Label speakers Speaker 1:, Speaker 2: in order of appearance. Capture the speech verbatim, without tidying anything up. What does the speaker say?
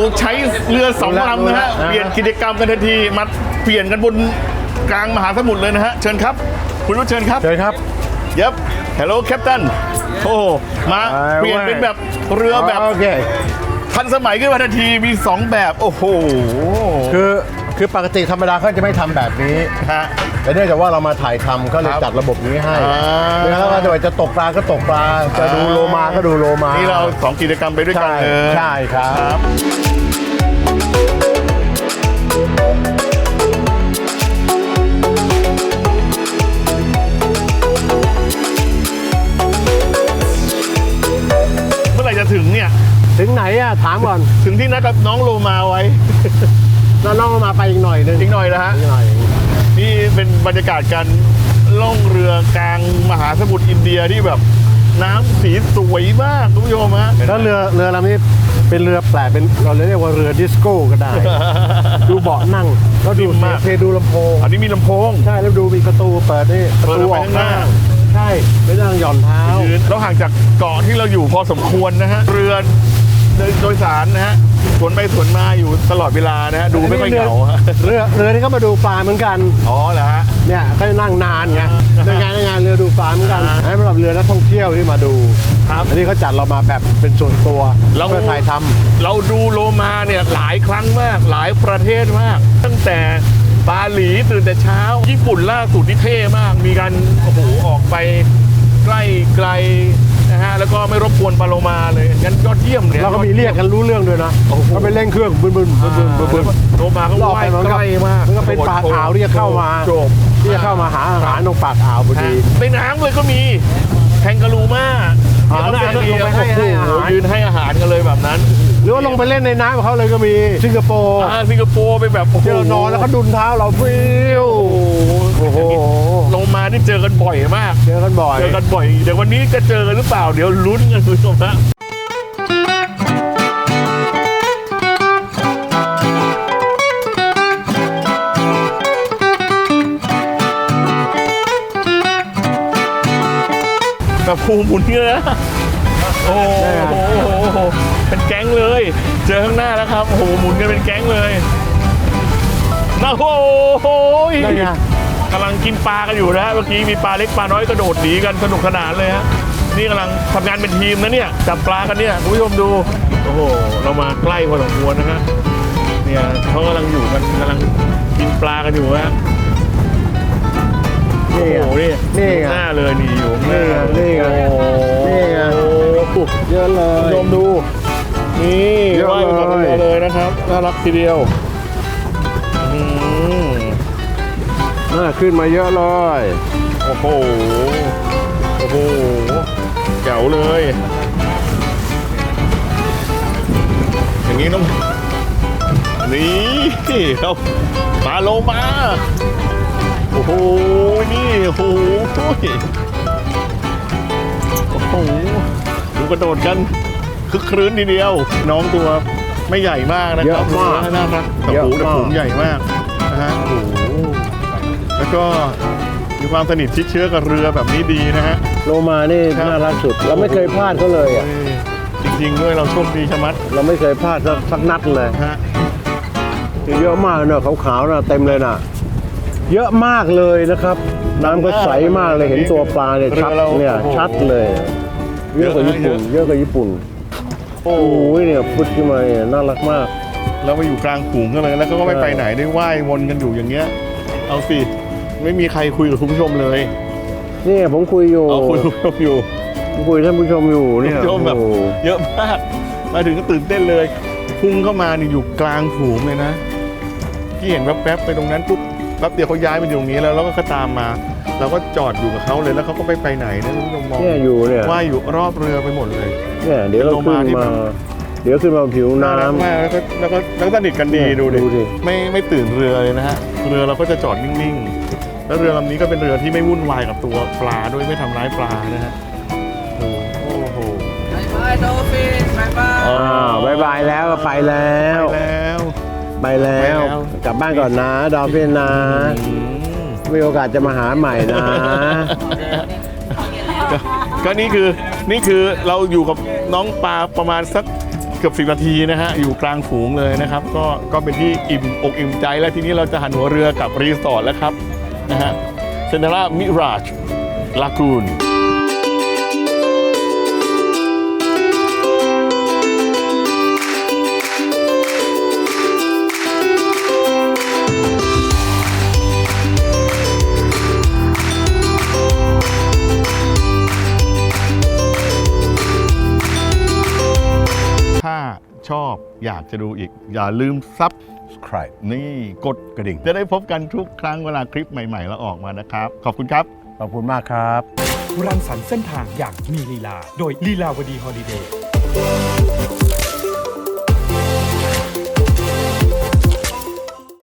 Speaker 1: ใช้เรือสองลำนะฮะเปลี่ยนกิจกรรมกันทันทีมาเปลี่ยนกันบนกลางมหาสมุทรเลยนะฮะเชิญครับคุณรู้เชิญครับ
Speaker 2: เชิญครับ
Speaker 1: ยับ Hello Captain โอ้มาเปลี่ยนเป็นแบบเรือแบบ
Speaker 2: โอเค
Speaker 1: ทันสมัยขึ้นมาทันทีมีสองแบบโอ้โห
Speaker 2: คือคือปกติธรรมดาเขาจะไม่ทำแบบนี้
Speaker 1: ฮะ
Speaker 2: แต่เนื่องจากว่าเรามาถ่ายทำก็เลย
Speaker 1: ครับ
Speaker 2: จัดระบบนี้ให้
Speaker 1: อ่า
Speaker 2: แล้วก็จะตกปลาก็ตกปลาจะดูโลมาก็ดูโลมา
Speaker 1: นี่เราสองกิจกรรมไปด้วยกัน
Speaker 2: ใช่
Speaker 1: เลย
Speaker 2: ใช่ครับ
Speaker 1: เมื่อไหร่จะถึงเนี่ย
Speaker 2: ถึงไหนอะถามก่อน
Speaker 1: ถึงที่นัดกับน้องโลมาไว้
Speaker 2: เราล่องมาไปอีกหน่อยนึง
Speaker 1: อีกหน่อยนะฮะ
Speaker 2: อีกหน่อย
Speaker 1: นี่เป็นบรรยากาศการล่องเรือกลางมหาสมุทรอินเดียที่แบบน้ำสีสวยมากคุณผู้ชมฮะ
Speaker 2: แล้วเรือเรือลำนี้เป็นเรือแปลกเป็นเราเรียกว่าเรือดิสโก้ก็ได้ ดูเบาะนั่งแล้วดู
Speaker 1: นิ่มมาก
Speaker 2: เทดูลำโพง
Speaker 1: อันนี้มีลำโพง
Speaker 2: ใช่แล้วดูมีประตูเปิดนี่ประตู
Speaker 1: เปิดออกไป
Speaker 2: ออก
Speaker 1: ข้างหน้า
Speaker 2: ใช่ไม่นั่งหย่อนเท้า
Speaker 1: ยืนเราห่างจากเกาะที่เราอยู่พอสมควรนะฮะเรือโดยสารนะฮะสวนไปสวนมาอยู่ตลอดเวลานะฮะดูไม่ค่อยเหงาฮะ
Speaker 2: เรือเรือนี่ก็มาดูปลาเหมือนกัน
Speaker 1: อ๋อเหรอฮะ
Speaker 2: เนี่ยเขานั่งนานไง
Speaker 1: อ่า
Speaker 2: ในงานในงานเรือดูปลาเหมือนกัน
Speaker 1: อ่า
Speaker 2: ให้สำหรับเรือนักท่องเที่ยวที่มาดู
Speaker 1: ครับ
Speaker 2: อันนี้เขาจัดเรามาแบบเป็นส่วนตัว
Speaker 1: เรา
Speaker 2: เพื่อถ่ายทำ
Speaker 1: เราดูโลมาเนี่ยหลายครั้งมากหลายประเทศมาก ตั้งแต่บาหลีตื่นแต่เช้า ญี่ปุ่นล่าสุดนี่เท่มาก มีการโอ้โหออกไปใกล้ไกลนะฮะแล้วก็ไม่รบกวนปลาโลมาเลยงั้นยอดเยี่ยมเนี่ย
Speaker 2: เราก็มีเรียกกันรู้เรื่องด้วยนะ
Speaker 1: โอ้โห
Speaker 2: ก็ไปเร่งเครื่องบึ้นบึ้นบึ้นบึ้นบึ้นบึ้น
Speaker 1: โลมาก็
Speaker 2: รอบ
Speaker 1: ว่าย
Speaker 2: ไปมันก็
Speaker 1: ใกล้มาก
Speaker 2: มันก็เป็นปากอ่าวที่จะเข้ามา
Speaker 1: จบ
Speaker 2: ที่จะเข้ามาหาอาหารตรงปากอ่าวพอดี
Speaker 1: ในน้ำเลยก็มีแทงกะลูมา
Speaker 2: อ่าน่าจะลงไปให้ให้อาหาร
Speaker 1: ยืนให้อาหารกันเลยแบบนั้น
Speaker 2: หรือว่าลงไปเล่นในน้ำกับเขาเลยก็มีสิงคโปร์
Speaker 1: อ่าสิงคโปร์ไปแบบโอ้โห
Speaker 2: ที่เรานอนแล้วเขาดุนเท้าเราฟิว
Speaker 1: โอ้โห
Speaker 2: โอ้โห
Speaker 1: ลงมานี่เจอกันบ่อยมาก
Speaker 2: เจอกันบ่อย
Speaker 1: เจอกันบ่อยเดี๋ยววันนี้จะเจอกันหรือเปล่าเดี๋ยวลุ้นกันคุณผู้ชมนะแบบภูมิหมุนเนี่ยนะโอ้โหโอ้โหเป็นแก๊งเลย เจอข้างหน้าแล้วครับโอ้โหหมุนกันเป็นแก๊งเลยนะโอ้โห
Speaker 2: นั่นไง
Speaker 1: กำลังกินปลากันอยู่นะฮะเมื่อกี้มีปลาเล็กปลาน้อยกระโดดหนีกันสนุกสนานเลยฮะนี่กำลังทำงานเป็นทีมนะเนี่ยจับปลากันเนี่ยคุณผู้ชมดูโอ้โหเรามาใกล้พอสมควรนะฮะเนี่ยเขากำลังอยู่กันกำลังกินปลากันอยู่ฮะโอ้
Speaker 2: นี่
Speaker 1: โห
Speaker 2: ไง
Speaker 1: นี่
Speaker 2: นี่ไง
Speaker 1: หน้าเลยนี่อยู่ข้างหน้า
Speaker 2: นี่ไงนี่ไง
Speaker 1: โอ้โห
Speaker 2: นี่ไง
Speaker 1: โอ้โห
Speaker 2: เยอะเล
Speaker 1: คุณ
Speaker 2: ย
Speaker 1: ผู้ชมดูนี่
Speaker 2: เยอะ
Speaker 1: ว่ายมากับ
Speaker 2: เลย
Speaker 1: เรือเลยนะครับน่ารักทีเดียวอืม
Speaker 2: น่าขึ้นมาเยอะเลย
Speaker 1: โอ้โห โอ้โหแจ๋วเลย อย่างนี้ต้อง นี่เราปลาโลมา โอ้โห นี่ โอ้โห โอ้โห ดูกระโดดกัน คึกครื้นทีเดียว น้องตัวไม่ใหญ่มากนะครับ
Speaker 2: เยอะมาก
Speaker 1: น่ารักแต่
Speaker 2: เยอะ
Speaker 1: โอ้โหแต่
Speaker 2: มาก
Speaker 1: ผมใหญ่มากนะฮะ โอ้โห แล้วก็มีความสนิทชิดเชื้อกับเรือแบบนี้ดีนะฮะ
Speaker 2: โลมานี่
Speaker 1: ครับ
Speaker 2: น่ารักสุด เราไม่เคยพลาดเขาเลยอ่ะ
Speaker 1: เออจริงๆด้วยเราโชคดีชะมัด
Speaker 2: เราไม่เคยพลาดสักสักนัดเลย
Speaker 1: ฮะ
Speaker 2: เยอะมากเนอะขาวๆนะเต็มเลยน่ะ เยอะมากเลยนะครับ น้ำก็ใสมากเลยเห็นตัวปลาเนี่ยชัดเนี่ยชัดเลย เยอะกว่าญี่ปุ่น เยอะกว่าญี่ปุ่น
Speaker 1: โอ้
Speaker 2: โอ้ยเนี่ยพุดขึ้นมาเนี่ยน่ารักมาก
Speaker 1: เราไปอยู่กลางฝูงกันเลยแล้วก็ไม่ไปไหนได้ว่ายวนกันอยู่อย่างเงี้ย เอาสิไม่มีใครคุยกับคุณผู้ชมเลย
Speaker 2: นี่ผมคุยอยู่
Speaker 1: เอาคุยกับคุณผู้ชมอยู่
Speaker 2: ผมคุยท่านผู้ชมอยู่เนี่ย
Speaker 1: คุณผู้ชมแบบ
Speaker 2: โอ้โห
Speaker 1: เยอะมากมาถึงก็ตื่นเต้นเลยพุ่งเข้ามานี่อยู่กลางฝูงเลยนะที่เห็นแวบๆไปตรงนั้นปุ๊บแป๊บเดียวเขาย้ายมาอยู่ตรงนี้แล้วแล้วก็ตามมาเราก็จอดอยู่กับเขาเลยแล้วเขาก็ไปไปไหนนะคุณผู้ชมมอง
Speaker 2: เนี่ยอยู่เนี่ย
Speaker 1: ว่ายอยู่รอบเรือไปหมดเลย
Speaker 2: เนี่ยเดี๋ยวเรา
Speaker 1: โล
Speaker 2: ขึ้
Speaker 1: มาน ที่
Speaker 2: มา
Speaker 1: แบบ
Speaker 2: เดี๋ยวขึ้นมาผิว
Speaker 1: น่ารัก
Speaker 2: น้ำ
Speaker 1: มากแล้วก็แล้วก็แล้วก็สนิทกันดี
Speaker 2: เนี่ย
Speaker 1: ดูดิ
Speaker 2: ดูดิ
Speaker 1: ไม่ไม่ตื่นเรือเลยนะฮะเรือเราก็จะจอดนิ่งๆแล้วเรือลำนี้ก็เป็นเรือที่ไม่วุ่นวายกับตัวปลาด้วยไม่ทำร้ายปลานะฮะโอ้โห
Speaker 3: บายบายโดฟินบายบาย
Speaker 2: อ้าวบายบายแล้วก็ไปแล้ว
Speaker 1: ไปแล้ว
Speaker 2: ไปแล้ว
Speaker 1: ไปแล้ว
Speaker 2: กลับบ้านก่อนนะดอมเฟนนะ
Speaker 1: อืม
Speaker 2: มีโอกาสจะมาหาใหม่นะ
Speaker 1: ก็ก็นี่คือนี่คือเราอยู่กับน้องปลาประมาณสักเกือบสิบนาทีนะฮะอยู่กลางฝูงเลยนะครับก็ก็เป็นที่อิ่มอกอิ่มใจแล้วทีนี้เราจะหันหัวเรือกับรีสอร์ทแล้วครับนะฮะเซนทาร่ามิราจลากูนถ้าชอบอยากจะดูอีกอย่าลืมซับ
Speaker 2: ใคร
Speaker 1: นี่กด
Speaker 2: กระดิ่ง
Speaker 1: จะได้พบกันทุกครั้งเวลาคลิปใหม่ๆแล้วออกมานะครับ ขอบคุณครับ
Speaker 2: ขอบคุณมากครับ
Speaker 4: รังสรรค์เส้นทางอย่างมีลีลา โดยลีลาวดีฮอลิเดย์